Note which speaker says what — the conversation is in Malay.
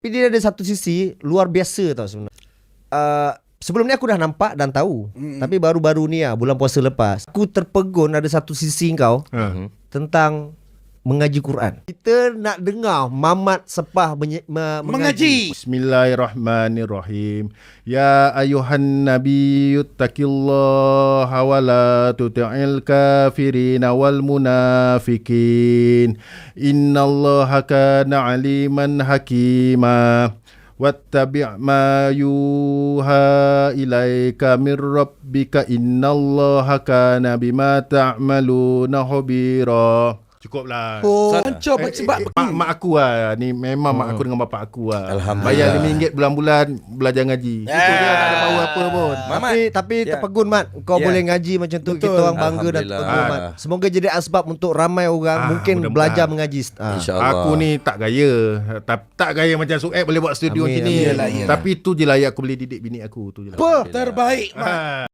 Speaker 1: Tapi dia ada satu sisi luar biasa tau sebenarnya. Sebelum ni aku dah nampak dan tahu. Tapi baru-baru ni bulan puasa lepas, aku terpegun ada satu sisi kau tentang mengaji Quran. Kita nak dengar Mamat Sepah mengaji.
Speaker 2: Bismillahirrahmanirrahim. Ya ayuhan nabiyyu taqillaha wa la tuti'il kafirin wal munafikin. Innallaha kana aliman hakima. Wattabi' ma yuha ilaika mir rabbika innallaha kana bima ta'maluna khabira. Cukuplah.
Speaker 3: Hancur sebab
Speaker 2: Mak aku lah. Ni memang mak aku dengan bapak aku lah.
Speaker 3: Alhamdulillah.
Speaker 2: Bayar RM5 bulan-bulan belajar ngaji. Itu dia tak ada power apa pun.
Speaker 1: Tapi terpegun Mat, kau boleh ngaji macam tu. Kita orang bangga dan terpegun Mat. Semoga jadi asbab untuk ramai orang mungkin belajar mengaji.
Speaker 3: InsyaAllah.
Speaker 2: Aku ni tak gaya. Tak gaya macam Sueb boleh buat studio macam ni. Tapi tu je lah yang aku boleh didik bini aku. Tu je lah.
Speaker 3: Terbaik, Mat.